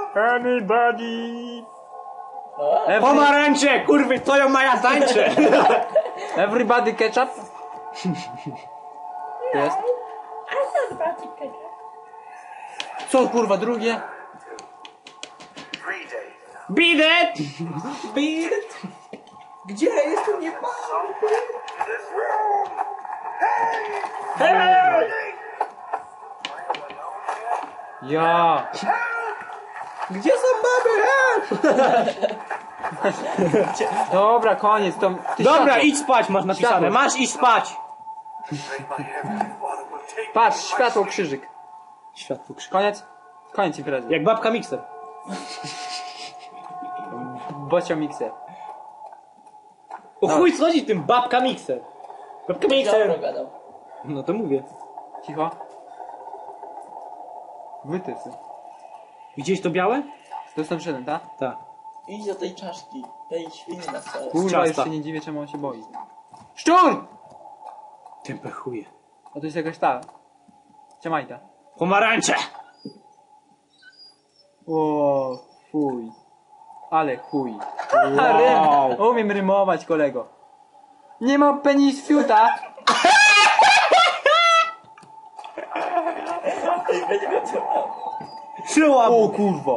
Anybody? Pomarańcze, kurwy, stoją maja tańcze. Everybody ketchup? Jest. Co kurwa drugie? Beat it! Beat it! Gdzie? Jestem nie ma. Ja. Gdzie są baby? Dobra, koniec. To, Dobra, światło. idź spać, masz napisane. Światło. Masz iść spać. Patrz, światło, krzyżyk. Światło krzyk. Koniec? Koniec imprezy. Jak babka mikser. Bocio mikser. O chuj schodzi tym babka mikser. Babka mikser. gadał. No to mówię. Cicho. Wytysy. Widziałeś to białe? To jest ten tak? Tak. Idź do tej czaszki, tej świni na stole. Kurwa, ciasta. już się nie dziwię, czemu on się boi. Szczur! Tępe chuje. A to jest jakaś ta. Ciamajta. Pomarańcze! O, fuj. Ale chuj. Wow. Rym. Umiem rymować, kolego. Nie ma penis fiuta. Szyłam! O kurwa.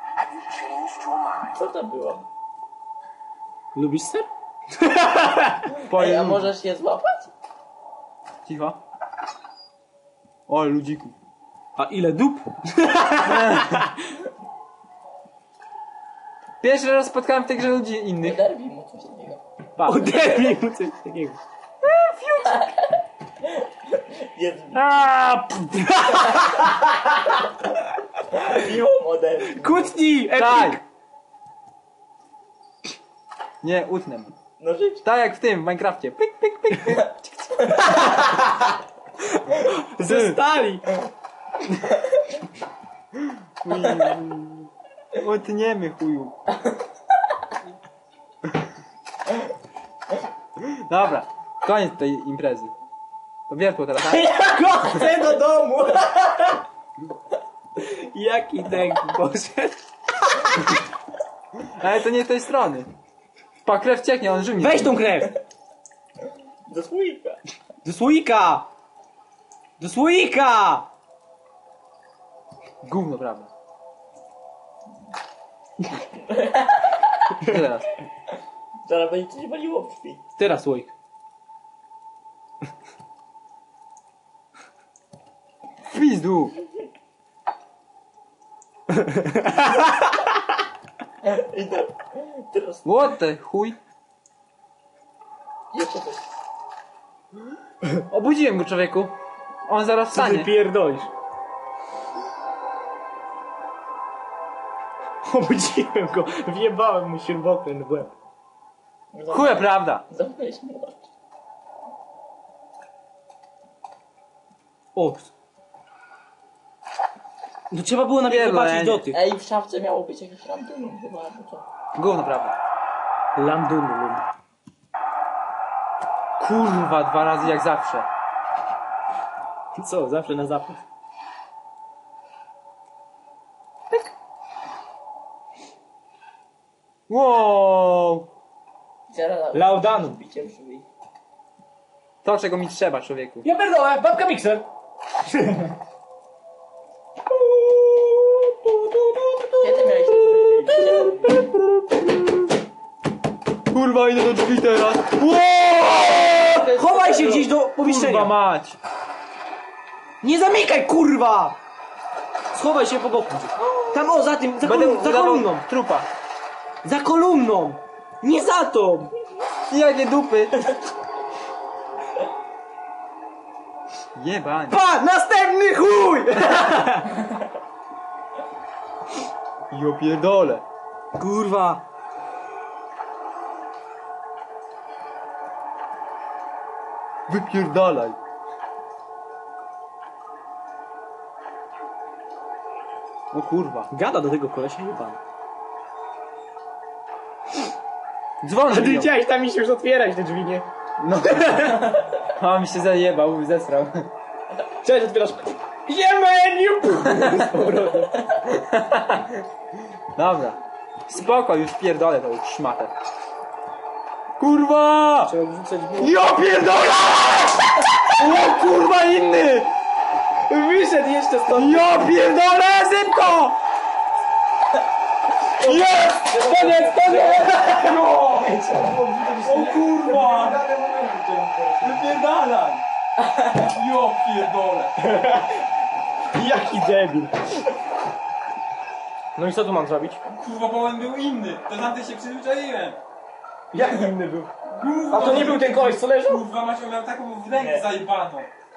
Co to było? Lubisz ser? Ej, a możesz je złapać? Cicho. O, ludziku. A ile dup? Pierwszy raz spotkałem w tej grze ludzi innych. Oderwij mu coś takiego. Oderwij mu coś takiego. Jest Aaa, miło oderwij. Kłótni! Tak. Nie, utnę mu. Nożyczki. Tak jak w tym, w Minecrafcie. Pyk, pyk, pyk, pyk. Ze stali! Utniemy chuju. Dobra, koniec tej imprezy. To wiertło teraz, tak? Ja go chcę do domu! Jaki dęk poszedł? Ale to nie z tej strony. Pa, krew cieknie, on żył. Weź tą krew! Do słoika. Do słoika! Do słoika! Gówno, prawda. Co teraz? Zaraz będzie coś waliło w krwi. Teraz słoik. W pizdu. I teraz What the chuj? jeszcze coś. Obudziłem go, człowieku. On zaraz Co ty wstanie. pierdolisz? Obudziłem go, wjebałem mu śrubokręt w łeb. Chuja, prawda. Zamknąłeś mu oczy. O! No trzeba było najpierw Pierdolenie. zobaczyć do tych. Ej, w szafce miało być jakiś random chyba, albo co? Gówno, prawda. Landunum. Kurwa, 2 razy jak zawsze. Co, zawsze na zapas. Wow. Zaraz Laudanum. bicie w drzwi. To, czego mi trzeba, człowieku. Ja pierdolę, babka mikser. Kiedy miałeś Kurwa, idę do drzwi teraz. Chowaj się gdzieś do pomieszczenia. Kurwa mać. Nie zamykaj, kurwa! Schowaj się po boku. Tam, o, za tym, za, Będę za udawał kolumną. trupa. Za kolumną! Nie za tą! Jakie dupy. Jebań. Pa! Następny chuj! Jo pierdolę. Kurwa. Wypierdalaj. O kurwa. Gada do tego kolesia jebany. Dzwon A ty biją. chciałeś tam iść już otwierać te drzwi, nie? No. A mi się zajebał, zesrał. Cześć, otwierasz. Jemeniu! Z powrotem. Dobra. Spoko, już pierdolę tą szmatę. Kurwa! Trzeba wrzucać Ja pierdolę! O kurwa inny! Wyszedł jeszcze stąd. Ja pierdolę, szybko! Jest! Koniec, koniec! No! O kurwa! Wypierdalaj! Ja pierdolę! Jaki debil. No i co tu mam zrobić? Kurwa, bo on był inny. To na ty się przyzwyczaiłem. Jak inny był? Kurwa, A to nie był ten koleś, co leżał? Kurwa, Macio miał taką w rękę zajebaną.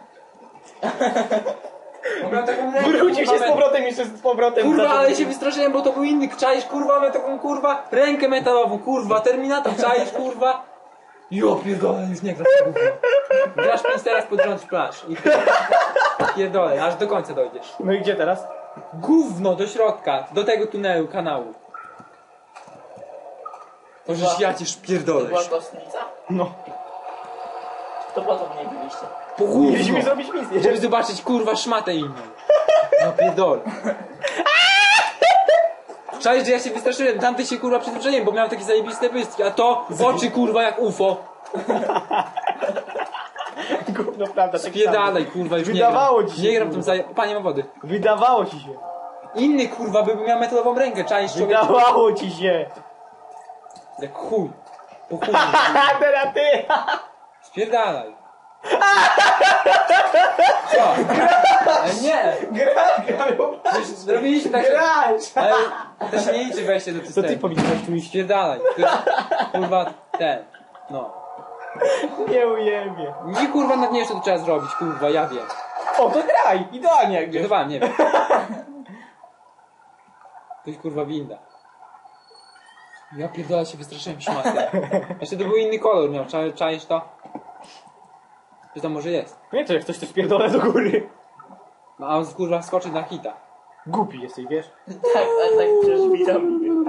On miał taką rękę, Wrócił się kurwa, z powrotem jeszcze z powrotem. Kurwa, zaczął- ale się wystraszyłem, bo to był inny. Czaisz, kurwa, miał taką, kurwa, rękę metalową, kurwa, Terminator, czaisz, kurwa. Jo, pierdolę, już nie grasz w gówno. Grasz 5 teraz pod rząd plaż. I pierdolę, aż do końca dojdziesz. No i gdzie teraz? Gówno, do środka, do tego tunelu, kanału. To żeś ja cię To szpierdolę. była kostnica? No. To po co w niej byliście? Po gówno. Mieliśmy zrobić misję. Żeby zobaczyć, kurwa, szmatę inną. No pierdolę. Czaisz, że ja się wystraszyłem, tamty się, kurwa, przyzwyczaiłem, bo miał takie zajebiste bystki, a to oczy, kurwa, jak UFO. Gówno, prawda, tak Spierdalaj, kurwa, już Wydawało nie gram. ci się, Nie gram w kurwa. tym Panie ma wody. samo. Wydawało ci się. Inny, kurwa, by miał metalową rękę, czaisz, człowiek. Wydawało ci się. Jak chuj. Po chuj. A teraz ty. Spierdalaj. Co? Ale nie! Graj. Już zrobiliśmy tak, że... Graj. Ale to się nie liczy wejście do To systemu. ty powinieneś tu iść. Spierdalaj. To jest, kurwa, ten. No. Nie ujebie. Nie, kurwa, nad nie jeszcze to trzeba zrobić, kurwa, ja wiem. O, to graj. Idealnie jak wiesz. Żartowałem, nie wiem. To jest, kurwa, winda. Ja pierdolę, się wystraszyłem szmaty. Jeszcze to był inny kolor miał, czaisz to? Czy tam może jest? Nie, to jak coś to spierdolę do góry. No, a on, kurwa, skoczy na hita. Głupi jesteś, wiesz? Tak, ale tak przecież widomi.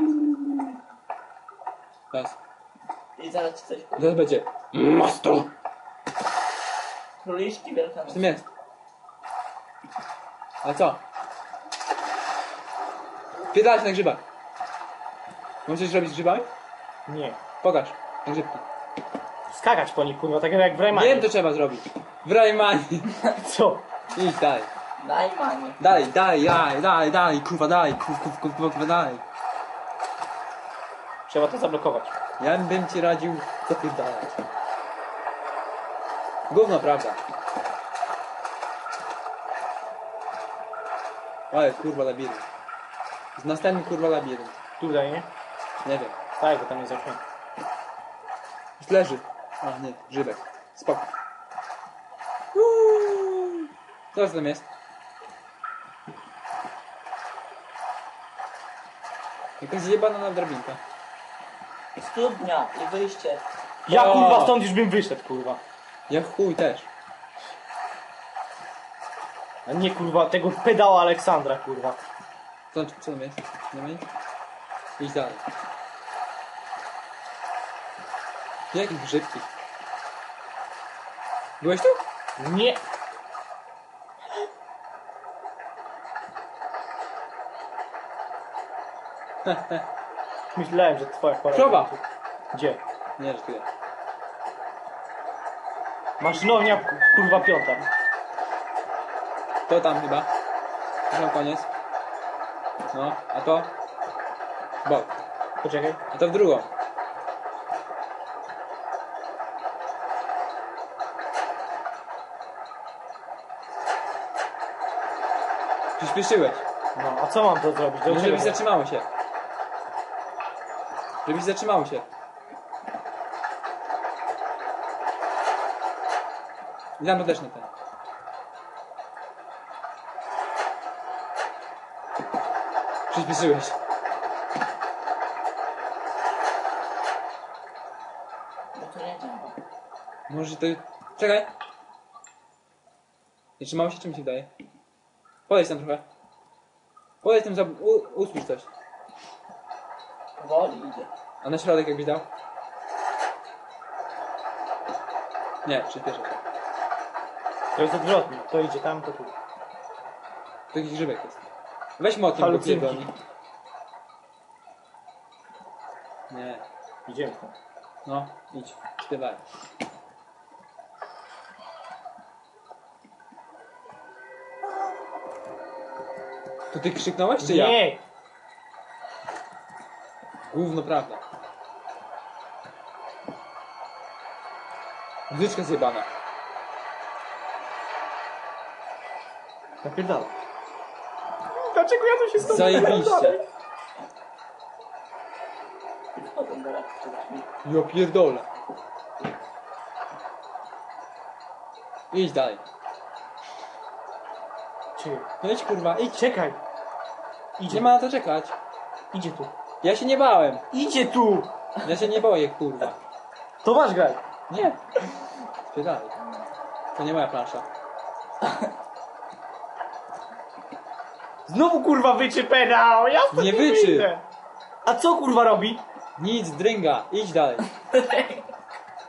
Teraz. I zaraz ci coś Teraz będzie. Master! Króliczki wielkanoc. W tym jest. Ale co? Pierdalać na grzybach. Możesz coś robić z grzybami? Nie. Pokaż. Na grzybki. Skakać po nich, kurwa, tak jak w Raymanie. Wiem, to trzeba zrobić. W Raymanie. Co? Idź dalej. Daj panie. Dalej, kurwa, dalej, kurwa, dalej. Trzeba to zablokować. Ja bym ci radził zapierdalać. Gówno, prawda. Ale kurwa labirynt. Z następny kurwa labirynt. Tutaj, nie? Nie wiem. Tak, bo tam jest okno. Już leży. A nie, grzybek. Spoko. Co tam jest? Jakaś zjebana drabinka. Studnia i wyjście. Ja, O! kurwa, stąd już bym wyszedł, kurwa. Ja chuj też. A nie, kurwa, tego pedała Aleksandra, kurwa. Co tam jest? Nie ma nic? Idź dalej. Jakie grzybki? Byłeś tu? Nie. Myślałem, że twoja chora. Krowa! Gdzie? Nie, że tu jest. Maszynownia, kurwa, piąta. To tam chyba. To tam koniec. No, a to? Bok. Poczekaj. A to w drugą. Przyspieszyłeś. No, a co mam to zrobić? Do No, czego? żebyś zatrzymało się. Żebyś zatrzymało się. I tam to też na ten. Przyspieszyłeś. Bo to nie działa. Może to... Czekaj. Nie trzymało się, czy mi się wydaje? Podejdź tam trochę. Podejdź tam, usłysz coś. Powoli idzie. A na środek jakbyś dał? Nie, przyspieszę się. To jest odwrotnie. To idzie tam, to tu. To jakiś grzybek jest. Weź motyl, bo Halucynki. pierdolni. Nie. Idziemy tam. No, idź. Śpiewaj. To ty krzyknąłeś, czy ja? Nie! Gówno prawda. Muzyczka zjebana. Napierdala. Dlaczego ja tu się stąd Zajebiście. Ja pierdolę. Idź dalej. Czekaj. No idź kurwa, idź. Czekaj. Idzie. Nie ma na to czekać. Idzie tu. Ja się nie bałem. Idzie tu! Ja się nie boję, kurwa. To masz graj. Nie. Spierdalaj. To nie moja plansza. Znowu kurwa wyczy pedał! Ja stąd Nie wyczy. wyjdę. A co kurwa robi? Nic, drynga. Idź dalej.